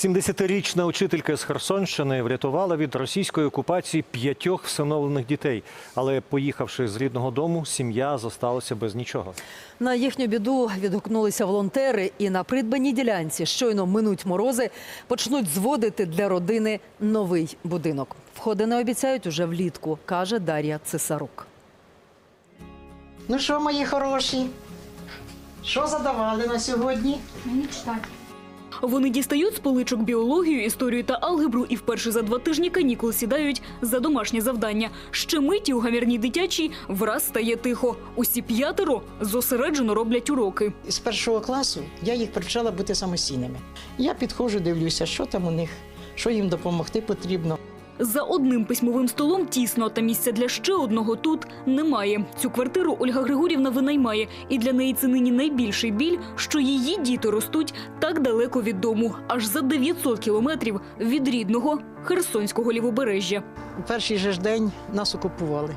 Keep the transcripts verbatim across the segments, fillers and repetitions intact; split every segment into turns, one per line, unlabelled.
сімдесятирічна учителька з Херсонщини врятувала від російської окупації п'ятьох всиновлених дітей. Але поїхавши з рідного дому, сім'я зосталася без нічого.
На їхню біду відгукнулися волонтери і на придбаній ділянці щойно минуть морози, почнуть зводити для родини новий будинок. Входи обіцяють уже влітку, каже Дар'я Цесарук.
Ну що, мої хороші, що задавали на сьогодні?
Мені читати.
Вони дістають з поличок біологію, історію та алгебру і вперше за два тижні канікул сідають за домашнє завдання. Ще миті у гамірній дитячій враз стає тихо. Усі п'ятеро зосереджено роблять уроки.
З першого класу я їх привчала бути самостійними. Я підходжу, дивлюся, що там у них, що їм допомогти потрібно.
За одним письмовим столом тісно, та місця для ще одного тут немає. Цю квартиру Ольга Григорівна винаймає. І для неї це нині найбільший біль, що її діти ростуть так далеко від дому. Аж за дев'ятсот кілометрів від рідного Херсонського лівобережжя.
У перший же ж день нас окупували.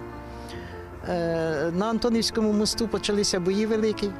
Е, На Антонівському мосту почалися бої великі.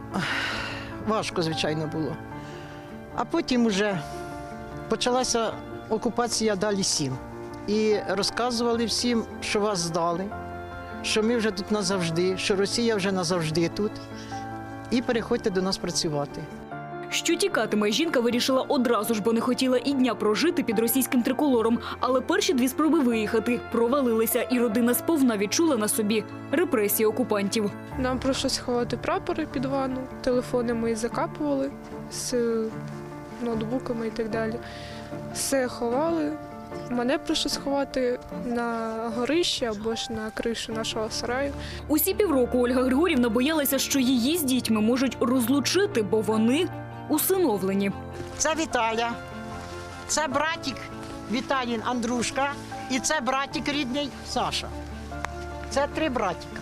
Важко, звичайно, було. А потім уже почалася окупація далі сіл. І розказували всім, що вас здали, що ми вже тут назавжди, що Росія вже назавжди тут. І переходьте до нас працювати.
Що тікатиме, жінка вирішила одразу ж, бо не хотіла і дня прожити під російським триколором. Але перші дві спроби виїхати провалилися, і родина сповна відчула на собі репресії окупантів.
Нам прийшлось ховати прапори під ванну, телефони ми закапували з ноутбуками і так далі. Все ховали. Мене прийшлось ховати на горище або ж на кришу нашого сараю.
Усі півроку Ольга Григорівна боялася, що її з дітьми можуть розлучити, бо вони усиновлені.
Це Віталя, це братик Віталін Андрушка і це братик рідний Саша. Це три братика.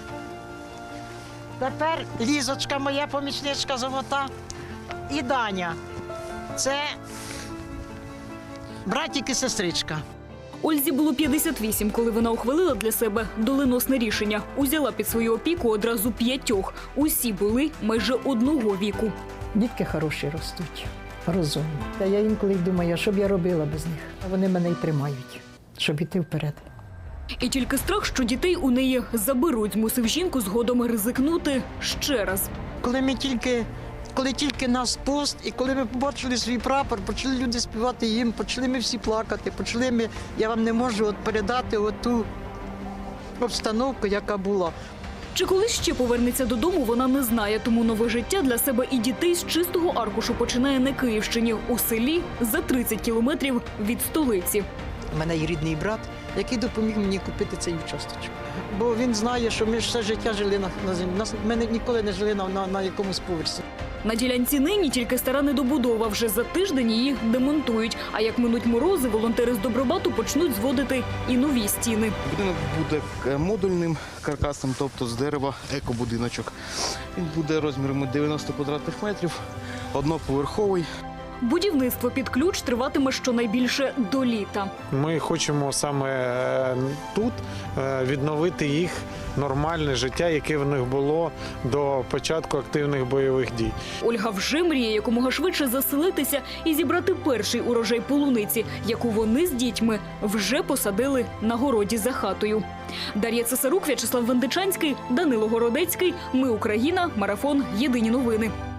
Тепер Лізочка, моя помічничка золота, і Даня. Це братик і сестричка.
Ользі було п'ятдесят вісім, коли вона ухвалила для себе доленосне рішення. Узяла під свою опіку одразу п'ятьох. Усі були майже одного віку.
Дітки хороші ростуть, розумні. Та я інколи думаю, що б я робила без них. А вони мене й тримають, щоб іти вперед.
І тільки страх, що дітей у неї заберуть, змусив жінку згодом ризикнути ще раз.
Коли ми тільки, коли тільки нас пост, і коли ми побачили свій прапор, почали люди співати їм, почали ми всі плакати, почали ми, я вам не можу от передати оту обстановку, яка була.
Чи колись ще повернеться додому, вона не знає, тому нове життя для себе і дітей з чистого аркушу починає на Київщині, у селі за тридцять кілометрів від столиці.
У мене є рідний брат, який допоміг мені купити цей участочок. Бо він знає, що ми ж все життя жили на, на землі. Нас, ми ніколи не жили на, на, на якомусь поверсі.
На ділянці нині тільки стара недобудова. Вже за тиждень її демонтують. А як минуть морози, волонтери з Добробату почнуть зводити і нові стіни.
Будинок буде модульним каркасом, тобто з дерева екобудиночок. Він буде розміром дев'яносто квадратних метрів, одноповерховий.
Будівництво під ключ триватиме щонайбільше до літа.
Ми хочемо саме тут відновити їх нормальне життя, яке в них було до початку активних бойових дій.
Ольга вже мріє якомога швидше заселитися і зібрати перший урожай полуниці, яку вони з дітьми вже посадили на городі за хатою. Дар'я Цесарук, В'ячеслав Вендичанський, Данило Городецький. Ми Україна. Марафон. Єдині новини.